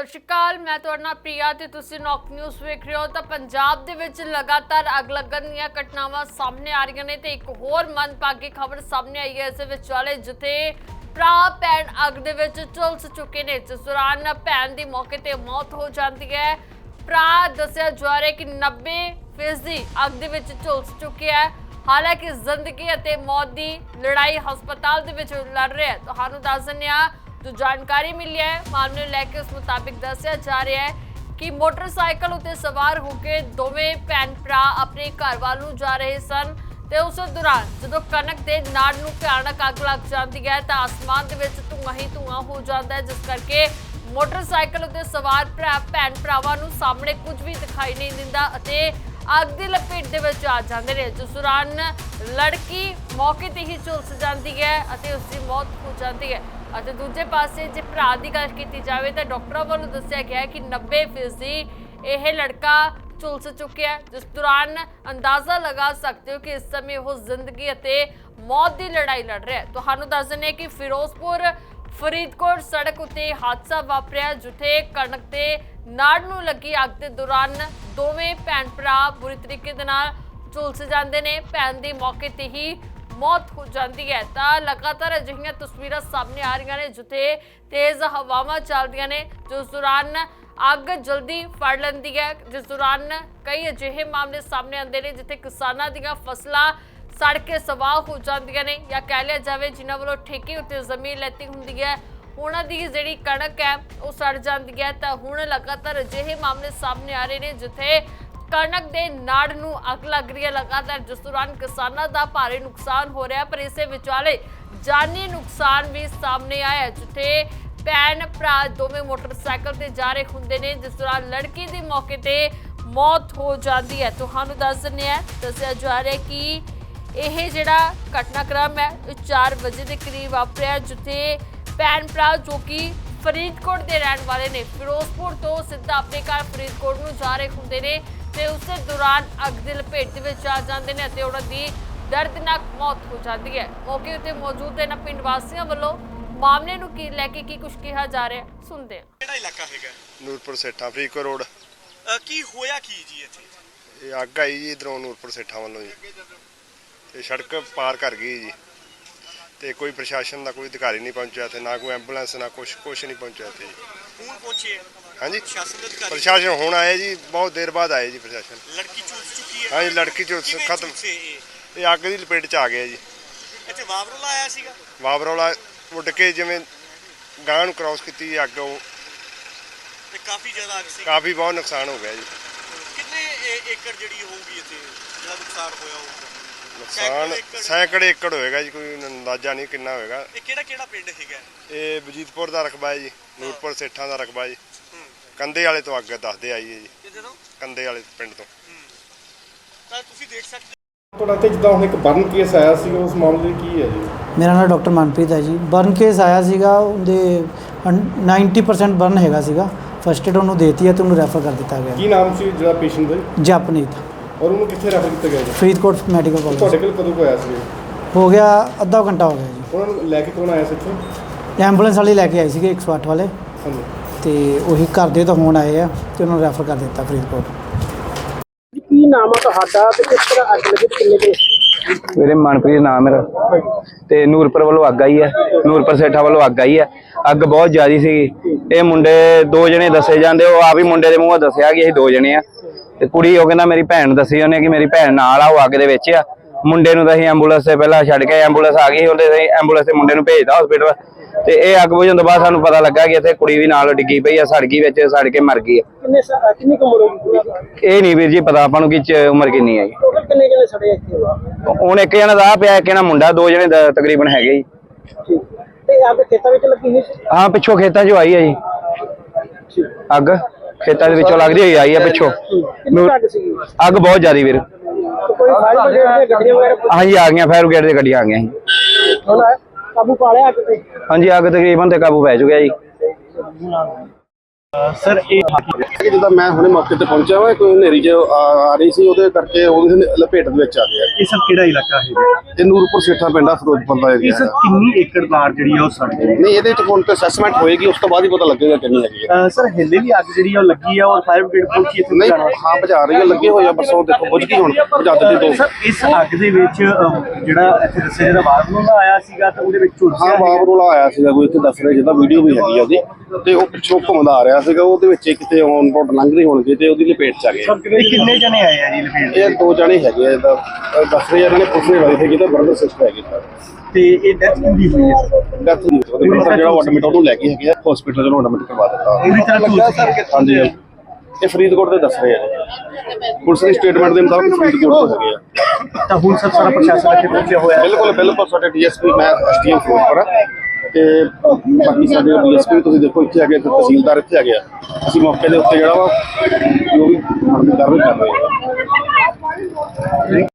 ਸਤਿ ਸ਼੍ਰੀ ਅਕਾਲ, मैं ਤੁਹਾਡੇ ਨਾਲ ਪ੍ਰਿया ਤੇ ਤੁਸੀਂ ਨੌਕ ਨਿਊਜ਼ ਵੇਖ ਰਹੇ ਹੋ। ਤਾਂ ਪੰਜਾਬ ਦੇ ਵਿੱਚ ਲਗਾਤਾਰ ਅੱਗ ਲੱਗਣ ਦੀਆਂ ਘਟਨਾਵਾਂ ਸਾਹਮਣੇ ਆ ਰਹੀਆਂ ਨੇ ਤੇ ਇੱਕ ਹੋਰ ਮੰਦਭਾਗੀ ਖਬਰ ਸਾਹਮਣੇ ਆਈ ਹੈ। ਇਸ ਵਿਚਾਲੇ ਜਿੱਥੇ ਭਰਾ ਭੈਣ ਅੱਗ ਦੇ ਵਿੱਚ ਝੁਲਸ ਚੁੱਕੇ ਨੇ, ਜਿਸ ਦੌਰਾਨ ਭੈਣ ਦੀ ਮੌਕੇ ਤੇ ਮੌਤ ਹੋ ਜਾਂਦੀ ਹੈ। ਭਰਾ ਦੱਸਿਆ ਜਾ ਰਿਹਾ ਕਿ 90% ਅੱਗ ਦੇ ਵਿੱਚ ਝੁਲਸ ਚੁੱਕਿਆ ਹੈ। ਹਾਲਾਂਕਿ ਜ਼ਿੰਦਗੀ ਅਤੇ ਮੌਤ ਦੀ ਲੜਾਈ ਹਸਪਤਾਲ ਦੇ ਵਿੱਚ ਲੜ ਰਿਹਾ ਹੈ। ਤੁਹਾਨੂੰ ਦੱਸ ਦਿੰਦੇ ਹਾਂ जो जानकारी मिली है मामले लेके उस मुताबिक दसिया जा रहा है कि मोटरसाइकिल उत्ते सवार होकर दोवें भैन भरा अपने घर वाल नूं जा रहे सन ते उस दौरान जदों कणक दे नाड़ नूं भयानक अग लग जाती है तो आसमान दे विच धुआं ही धुआं हो जाता है, जिस करके मोटरसाइकिल उत्ते सवार भैन भरावां नूं सामने कुछ भी दिखाई नहीं दिंदा अते अग की लपेट दे विच आ जांदे ने। जिस दौरान लड़की मौके ते ही झुलस जाती है अते उसकी मौत हो जाती है। ਅਤੇ ਦੂਜੇ ਪਾਸੇ ਜੇ ਭਰਾ ਦੀ ਗੱਲ ਕੀਤੀ ਜਾਵੇ ਤਾਂ ਡਾਕਟਰਾਂ ਵੱਲੋਂ ਦੱਸਿਆ ਗਿਆ ਕਿ 90% ਇਹ ਲੜਕਾ ਝੁਲਸ ਚੁੱਕਿਆ ਹੈ, ਜਿਸ ਦੌਰਾਨ ਅੰਦਾਜ਼ਾ ਲਗਾ ਸਕਦੇ ਹੋ ਕਿ ਇਸ ਸਮੇਂ ਉਹ ਜ਼ਿੰਦਗੀ ਅਤੇ ਮੌਤ ਦੀ ਲੜਾਈ ਲੜ ਰਿਹਾ ਹੈ। ਤੁਹਾਨੂੰ ਦੱਸ ਦਿੰਦੇ ਕਿ ਫਿਰੋਜ਼ਪੁਰ ਫਰੀਦਕੋਟ ਸੜਕ ਉੱਤੇ ਹਾਦਸਾ ਵਾਪਰਿਆ, ਜਿੱਥੇ ਕਣਕ ਦੇ ਨਾੜ ਨੂੰ ਲੱਗੀ ਅੱਗ ਦੇ ਦੌਰਾਨ ਦੋਵੇਂ ਭੈਣ ਭਰਾ ਬੁਰੀ ਤਰੀਕੇ ਦੇ ਨਾਲ ਝੁਲਸ ਜਾਂਦੇ ਨੇ। ਭੈਣ ਦੀ ਮੌਕੇ ਤੇ ਹੀ मौत हो जाती है। तो लगातार अजिहियां तस्वीरां सामने आ रही ने जिथे तेज हवावां चलदियां ने, जिस दौरान अग जल्दी फड़ लैंदी है। जिस दौरान कई अजिहे मामले सामने आते हैं जिथे किसानां दीयां फसलां सड़ के सवाह हो जांदियां ने, या कह लिया जाए जिन्हां वालों ठेके उत्ते जमीन लैती हुंदी है उन्हां दी जिहड़ी कणक है वो सड़ जाती है। तो हुण लगातार अजिहे मामले सामने आ रहे हैं जिथे कणक के नाड़ नूं अग लग रही है लगातार, जिस दौरान किसानों का भारी नुकसान हो रहा है। पर इस विचाले जानी नुकसान भी सामने आया जिथे भैन भरा दोवें मोटरसाइकिल से जा रहे होंगे ने, जिस दौरान लड़की की मौके पर मौत हो जाती है। तुहानूं दस दिंदे आ दस्सिया जा रहा है कि यह जिहड़ा घटनाक्रम है 4 बजे के करीब वापरिया, जिथे भैन भरा जो कि फरीदकोट के रहने वाले ने फिरोजपुर तो सीधा अपने घर फरीदकोट नूं जा रहे होंगे ने ਤੇ ਉਸੇ ਦੌਰਾਨ ਅੱਗ ਦੀ ਲਪੇਟ ਦੇ ਵਿੱਚ ਆ ਜਾਂਦੇ ਨੇ ਅਤੇ ਉਹਨਾਂ ਦੀ ਦਰਦਨਾਕ ਮੌਤ ਹੋ ਜਾਂਦੀ ਹੈ। ਮੌਕੇ ਉੱਤੇ ਮੌਜੂਦ ਇਹਨਾਂ ਪਿੰਡ ਵਾਸੀਆਂ ਵੱਲੋਂ ਮਾਮਲੇ ਨੂੰ ਕੀ ਲੈ ਕੇ ਕੀ ਕੁਝ ਕਿਹਾ ਜਾ ਰਿਹਾ ਸੁਣਦੇ ਹਾਂ। ਕਿਹੜਾ ਇਲਾਕਾ ਹੈਗਾ? ਨੂਰਪੁਰ ਸੇਠਾਂ ਫਰੀਦਕੋਟ ਰੋਡ। ਕੀ ਹੋਇਆ ਕੀ ਜੀ ਇੱਥੇ? ਇਹ ਅੱਗ ਆਈ ਜੀ ਇਧਰੋਂ ਨੂਰਪੁਰ ਸੇਠਾਂ ਵੱਲੋਂ ਜੀ ਤੇ ਸੜਕ ਪਾਰ ਕਰ ਗਈ ਜੀ ਤੇ ਕੋਈ ਪ੍ਰਸ਼ਾਸਨ ਦਾ ਕੋਈ ਅਧਿਕਾਰੀ ਨਹੀਂ ਪਹੁੰਚਿਆ ਤੇ ਨਾ ਕੋਈ ਐਂਬੂਲੈਂਸ ਨਾ ਕੁਛ ਨਹੀਂ ਪਹੁੰਚਿਆ ਇੱਥੇ ਜੀ। ਹੁਣ ਪਹੁੰਚੇ? ਹਾਂਜੀ ਪ੍ਰਸ਼ਾਸਨ ਪ੍ਰਸ਼ਾਸਨ ਹੁਣ ਆਏ ਜੀ, ਬਹੁਤ ਦੇਰ ਬਾਅਦ ਆਏ ਜੀ ਪ੍ਰਸ਼ਾਸਨ। ਲੜਕੀ ਝੁਲਸ ਚੁੱਕੀ ਹੈ? ਹਾਂਜੀ ਲੜਕੀ ਝੁਲਸ ਖਤਮ, ਇਹ ਅੱਗ ਦੀ ਲਪੇਟ 'ਚ ਆ ਗਿਆ ਜੀ। ਇੱਥੇ ਵਾਵਰੋਲਾ ਆਇਆ ਸੀਗਾ? ਵਾਵਰੋਲਾ ਉੱਡ ਕੇ ਜਿਵੇਂ ਗਾਂ ਨੂੰ ਕ੍ਰਾਸ ਕੀਤੀ ਅੱਗ, ਉਹ ਤੇ ਕਾਫੀ ਜ਼ਿਆਦਾ ਅੱਗ ਸੀ, ਕਾਫੀ ਬਹੁਤ ਨੁਕਸਾਨ ਹੋ ਗਿਆ ਜੀ। ਕਿੰਨੇ ਏਕੜ ਜਿਹੜੀ ਹੋਊਗੀ ਇੱਥੇ ਜਿਹੜਾ ਨੁਕਸਾਨ ਹੋਇਆ ਹੋਊਗਾ? ਨੁਕਸਾਨ ਸੈਂਕੜੇ ਏਕੜ ਹੋਏਗਾ ਜੀ, ਕੋਈ ਅੰਦਾਜ਼ਾ ਨਹੀਂ ਕਿੰਨਾ ਹੋਏਗਾ। ਇਹ ਕਿਹੜਾ ਪਿੰਡ ਹੈਗਾ? ਇਹ ਵਜੀਦਪੁਰ ਦਾ ਰਕਬਾ ਹੈ ਜੀ, ਨੂਰਪੁਰ ਸੇਠਾਂ ਦਾ ਰਕਬਾ ਜੀ। ਕੰਦੇ ਵਾਲੇ ਤੋਂ ਅੱਗ ਦੱਸਦੇ ਆਈ ਹੈ ਜੀ, ਕਿੱਥੇ ਤੋਂ? ਕੰਦੇ ਵਾਲੇ ਪਿੰਡ ਤੋਂ। ਤਾਂ ਤੁਸੀਂ ਦੇਖ ਸਕਦੇ ਤੁਹਾਡਾ ਤੇ ਜਿੱਦਾਂ ਹੁਣ ਇੱਕ ਬਰਨ ਕੇਸ ਆਇਆ ਸੀ, ਉਸ ਮਾਮਲੇ ਕੀ ਹੈ ਜੀ? ਮੇਰਾ ਨਾਮ ਡਾਕਟਰ ਮਨਪ੍ਰੀਤ ਹੈ ਜੀ। ਬਰਨ ਕੇਸ ਆਇਆ ਸੀਗਾ, ਉਹਦੇ 90% ਬਰਨ ਹੈਗਾ ਸੀਗਾ। ਫਸਟ ਏਡ ਉਹਨੂੰ ਦੇਤੀ ਹੈ ਤੇ ਉਹਨੂੰ ਰੈਫਰ ਕਰ ਦਿੱਤਾ ਗਿਆ। ਕੀ ਨਾਮ ਸੀ ਜਿਹੜਾ ਪੇਸ਼ੈਂਟ ਦਾ? ਜਪਨੀਤ। ਔਰ ਉਹਨੂੰ ਕਿੱਥੇ ਰੈਫਰ ਕੀਤਾ ਗਿਆ ਜੀ? Faridkot medical college. ਤੁਹਾਡੇ ਕੋਲ ਕਦੋਂ ਹੋਇਆ ਸੀ? ਹੋ ਗਿਆ ਅੱਧਾ ਘੰਟਾ ਹੋ ਗਿਆ ਜੀ। ਉਹਨਾਂ ਨੂੰ ਲੈ ਕੇ ਕੌਣ ਆਇਆ ਸੀ ਇੱਥੇ? ਐਂਬੂਲੈਂਸ ਵਾਲੇ ਲੈ ਕੇ ਆਏ ਸੀਗੇ 108 ਵਾਲੇ, ਹਾਂਜੀ। ਤੇ ਉਹੀ ਘਰ ਦੇ ਤਾਂ ਹੁਣ ਆਏ ਆ ਤੇ ਉਹਨਾਂ ਨੂੰ ਰੈਫਰ ਕਰ ਦਿੱਤਾ ਫਰੀਦਕੋਟ। ਕੀ ਨਾਮ ਆ ਤੁਹਾਡਾ ਤੇ ਕਿਸ ਤਰ੍ਹਾਂ ਅੱਗ ਲੱਗੀ ਕਿੰਨੇ ਦੇ? ਮੇਰੇ ਮਨਪ੍ਰੀਤ ਨਾਮ ਮੇਰਾ ਤੇ ਨੂਰਪੁਰ ਵੱਲੋਂ ਅੱਗ ਆਈ ਹੈ, ਨੂਰਪੁਰ ਸੇਠਾ ਵੱਲੋਂ ਅੱਗ ਆਈ ਹੈ। ਅੱਗ ਬਹੁਤ ਜ਼ਿਆਦੀ ਸੀਗੀ। ਇਹ ਮੁੰਡੇ 2 ਜਣੇ ਦੱਸੇ ਜਾਂਦੇ, ਉਹ ਆਪ ਹੀ ਮੁੰਡੇ ਦੇ ਮੂੰਹੋਂ ਦੱਸਿਆ ਕਿ ਅਸੀਂ 2 ਜਣੇ ਆ ਤੇ ਕੁੜੀ ਉਹ ਕਹਿੰਦਾ ਮੇਰੀ ਭੈਣ ਦੱਸੀ ਉਹਨੇ ਕਿ ਮੇਰੀ ਭੈਣ ਨਾਲ ਆ, ਉਹ ਅੱਗ ਦੇ ਵਿੱਚ ਆ। ਮੁੰਡੇ ਨੂੰ ਤਾਂ ਅਸੀਂ ਐਂਬੂਲੈਂਸ ਤੇ ਪਹਿਲਾਂ ਛੱਡ ਕੇ ਐਂਬੂਲੈਂਸ ਆ ਗਈ, ਉਹਦੇ ਐਂਬੂਲੈਂਸ ਤੇ ਮੁੰਡੇ ਨੂੰ ਭੇਜਦਾ ਹਸਪੀਟਲ। ਤੇ ਇਹ ਅੱਗ ਬੁਝਣ ਤੋਂ ਬਾਅਦ ਸਾਨੂੰ ਪਤਾ ਲੱਗਾ ਕਿ ਇੱਥੇ ਕੁੜੀ ਵੀ ਨਾਲ ਡਿੱਗੀ ਪਈ ਆ, ਸੜ ਗਈ ਵਿੱਚ, ਸੜ ਕੇ ਮਰ ਗਈ ਆ। ਕਿੰਨੀ ਉਮਰ ਹੋਊਗੀ? ਇਹ ਨਹੀਂ ਵੀਰ ਜੀ ਪਤਾ ਆਪਾਂ ਨੂੰ ਕਿ ਉਮਰ ਕਿੰਨੀ ਹੈ ਜੀ। ਟੋਟਲ ਕਿੰਨੇ ਜਣੇ ਸੜੇ ਇੱਥੇ? ਹੁਣ ਇੱਕ ਜਣਾ ਦਾ ਪਿਆ, ਇੱਕ ਜਣਾ ਮੁੰਡਾ, 2 ਜਣੇ ਤਕਰੀਬਨ ਹੈਗੇ ਜੀ। ਠੀਕ। ਤੇ ਅੱਗ ਖੇਤਾਂ ਵਿੱਚ ਲੱਗੀ ਹੋਈ ਸੀ? ਹਾਂ ਪਿੱਛੋਂ ਖੇਤਾਂ 'ਚੋਂ ਆਈ ਹੈ ਜੀ ਅੱਗ, ਖੇਤਾਂ ਦੇ ਵਿੱਚੋਂ ਲੱਗਦੀ ਹੋਈ ਆਈ ਹੈ ਪਿੱਛੋਂ। ਕਿੰਨੀ ਅੱਗ ਸੀਗੀ? ਅੱਗ ਬਹੁਤ ਜ਼ਿਆਦੀ ਵੀਰ। ਕੋਈ ਫਾਇਰ ਬ੍ਰਿਗੇਡ ਦੀਆਂ ਗੱਡੀਆਂ ਵਗੈਰਾ? ਹਾਂਜੀ ਆ ਗਈਆਂ, ਫਾਇਰ ਬ੍ਰਿਗੇਡ ਦੀਆਂ ਗੱਡੀਆਂ ਆ ਗਈਆਂ ਜੀ। ਹੁਣ ਕਾਬੂ ਪਾ ਲਿਆ ਅੱਗ ਤੇ? ਹਾਂਜੀ ਅੱਗ ਤਕਰੀਬਨ ਤੇ ਕਾਬੂ ਪੈ ਚੁੱਕਿਆ ਜੀ। ਸਰ ਇਹ ਕਿ ਜਿੱਦਾਂ ਮੈਂ ਹੁਣੇ ਮੌਕੇ ਤੇ ਪਹੁੰਚਿਆ ਵਾ ਕੋਈ ਹਨੇਰੀ ਚ ਆ ਰਹੀ ਸੀ ਉਹਦੇ ਕਰਕੇ ਉਹਦੇ ਲਪੇਟ ਦੇ ਵਿੱਚ ਆ ਗਿਆ। ਇਹ ਸਭ ਕਿਹੜਾ ਇਲਾਕਾ ਹੈ? ਇਹ ਨੂਰਪੁਰ ਸੇਠਾ ਪਿੰਡ ਆ, ਫਿਰੋਜ਼ਪੁਰ ਦਾ ਇਹ ਏਰੀਆ ਸਰ ਕਿੰਨੀ ਏਕੜ ਬਾੜ ਜਿਹੜੀ ਆ ਉਹ ਸੜ ਗਈ? ਨਹੀਂ ਇਹਦੇ ਚ ਹੁਣ ਤੇ ਅਸੈਸਮੈਂਟ ਹੋਏਗੀ, ਉਸ ਤੋਂ ਬਾਅਦ ਹੀ ਪਤਾ ਲੱਗੇਗਾ ਕਿੰਨੀ ਹੈਗੀ ਹੈ। ਸਰ ਹਿੱਲੇ ਵੀ ਅੱਗ ਜਿਹੜੀ ਆ ਉਹ ਲੱਗੀ ਆ ਔਰ ਫਾਇਰ ਬ੍ਰਿਗੇਡ ਪਹੁੰਚੀ ਇੱਥੇ ਨਹੀਂ ਬੁਝਾਉਣ ਹਾਂ ਬੁਝਾ ਰਹੀ ਹੈ, ਲੱਗੇ ਹੋਏ ਆ, ਬਸ ਉਹ ਦੇਖੋ ਬੁਝ ਗਈ ਹੁਣ ਬੁਝਾ ਦਿੱਤੀ ਦੋ। ਸਰ ਇਸ ਅੱਗ ਦੇ ਵਿੱਚ ਜਿਹੜਾ ਇੱਥੇ ਦੱਸਿਆ ਜਿਹੜਾ ਬਾਥਰੂਮ ਦਾ ਆਇਆ ਸੀਗਾ ਤਾਂ ਉਹਦੇ ਵਿੱਚ ਹਾਂ ਝੁਲਸਿਆ ਬਾਬ ਰੋਲਾ ਆਇਆ ਸੀਗਾ ਕੋਈ, ਇੱਥੇ ਦੱਸ ਰਹੇ ਜਿੱਦਾਂ ਵੀਡੀਓ ਵੀ ਹੈਗੀ ਆ ਉਹਦੀ, ਤੇ ਉਹ ਪਿੱਛੋਂ ਘੁੰਮਦਾ ਆ ਰਿਹਾ ਸੀਗਾ, ਉਹਦੇ ਵਿੱਚ ਕਿਤੇ ਔਨ ਰੋਡ ਲੰਘ ਰਹੇ ਹੋਣਗੇ ਤੇ ਉਹਦੀ ਲਪੇਟ ਚ ਆ ਗਏ। ਇਹ ਕਿੰਨੇ ਜਣੇ ਆਏ ਆ ਜੀ ਲਪੇਟ? ਇਹ ਦੋ ਜਣੇ ਹੈਗੇ ਆ, ਇਹਦਾ ਦੱਸ ਰਹੇ ਇਹਨਾਂ ਨੇ ਪੁੱਛਣੇ ਵਾਲੇ ਸੀਗੇ ਤਾਂ ਬ੍ਰਦਰ ਸਿਸਟਰ ਹੈਗੇ ਸਰ। ਤੇ ਇਹ ਡੈਥ ਕਿੰਦੀ ਹੋਈ ਹੈ? ਡੈਥ ਨਹੀਂ ਉਹਦੇ brother ਜਿਹੜਾ ਐਡਮਿਟ ਉਹਨੂੰ ਲੈ ਕੇ ਹੈਗੇ ਆ ਹਸਪੀਟਲ ਜਿਹਨੂੰ ਐਡਮਿਟ ਕਰਵਾ ਦਿੱਤਾ। ਪੂਰੀ ਤਰ੍ਹਾਂ ਝੁਲਸਿਆ ਹਾਂਜੀ ਇਹ ਫਰੀਦਕੋਟ ਦੇ ਦੱਸ ਰਹੇ ਆ ਜੀ। ਪੁਲਿਸ ਦੀ ਸਟੇਟਮੈਂਟ ਦੇ ਮੁਤਾਬਕ ਫਰੀਦਕੋਟ ਤੋਂ ਹੈਗੇ ਆ। ਤਾਂ ਹੁਣ ਸਰ ਸਾਰਾ ਪ੍ਰਸ਼ਾਸਨ ਇੱਥੇ ਪਹੁੰਚਿਆ ਹੋਇਆ ਹੈ। ਬਿਲਕੁਲ ਬਿਲਕੁਲ ਸਾਡੇ ਡੀਐਸਪੀ ਮੈਂ ਐਸਟੀਐਮ ਫਿਰੋਜ਼ਪੁਰ ਆ ਤੇ ਬਾਕੀ ਸਾਡੇ ਡੀਐਸਪੀ ਵੀ ਤੁਸੀਂ ਦੇਖੋ ਇੱਥੇ ਆ ਗਏ, ਤਹਿਸੀਲਦਾਰ ਇੱਥੇ ਆ ਗਿਆ। ਅਸੀਂ ਮੌਕੇ ਦੇ ਉੱਤੇ ਜਿਹੜਾ ਵਾ ਜੋ ਵੀ ਕਾਰਵਾਈ ਕਰ ਰਹੇ ਹਾਂ।